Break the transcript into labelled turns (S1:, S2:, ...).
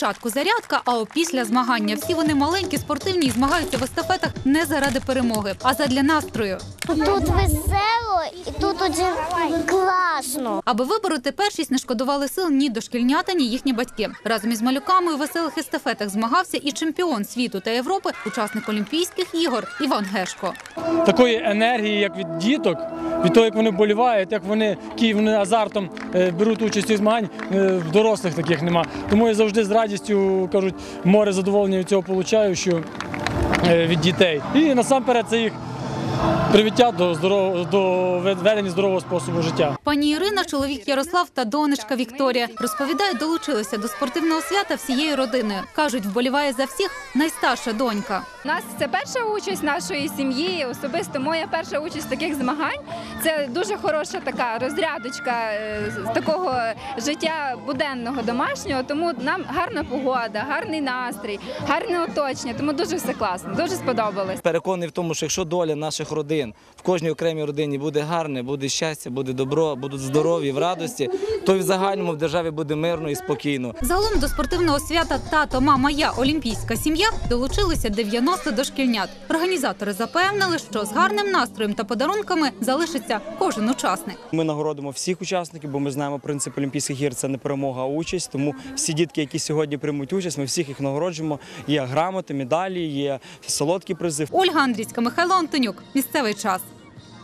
S1: Спочатку зарядка, а опісля змагання. Всі вони маленькі, спортивні і змагаються в естафетах не заради перемоги, а задля настрою.
S2: Тут весело і тут дуже класно.
S1: Аби вибороти першість, не шкодували сил ні дошкільнята, ні їхні батьки. Разом із малюками у веселих естафетах змагався і чемпіон світу та Європи, учасник Олімпійських ігор Іван Гешко.
S3: Такої енергії, як від діток, від того, як вони вболівають, як вони азартом беруть участь у змагань, в дорослих таких нема. Тому я завжди з радістю, кажуть, море задоволення від цього отримую, що від дітей. І насамперед це їх привіття до ведення здорового способу життя.
S1: Пані Ірина, чоловік Ярослав та донечка Вікторія, розповідають, долучилися до спортивного свята всією родиною. Кажуть, вболіває за всіх найстарша донька.
S4: У нас це перша участь нашої сім'ї, особисто моя перша участь в таких змагань. Це дуже хороша така розрядочка з такого життя буденного, домашнього, тому нам гарна погода, гарний настрій, гарне оточення, тому дуже все класно, дуже сподобалось.
S5: Переконаний в тому, що якщо доля наших родин, в кожній окремій родині буде гарне, буде щастя, буде добро, будуть здорові, в радості, то і в загальному в державі буде мирно і спокійно.
S1: Загалом до спортивного свята «Тато, мама, я. Олімпійська сім'я» долучилися 90 дошкільнят. Організатори запевнили, що з гарним настроєм та подарунками залишиться кожен учасник.
S6: Ми нагородимо всіх учасників, бо ми знаємо принцип Олімпійських ігор – це не перемога, а участь. Тому всі дітки, які сьогодні приймуть участь, ми всіх їх нагороджуємо. Є грамоти, медалі, є солодкі призи.
S1: Ольга Андрійська, Михайло Антонюк. Місцевий час.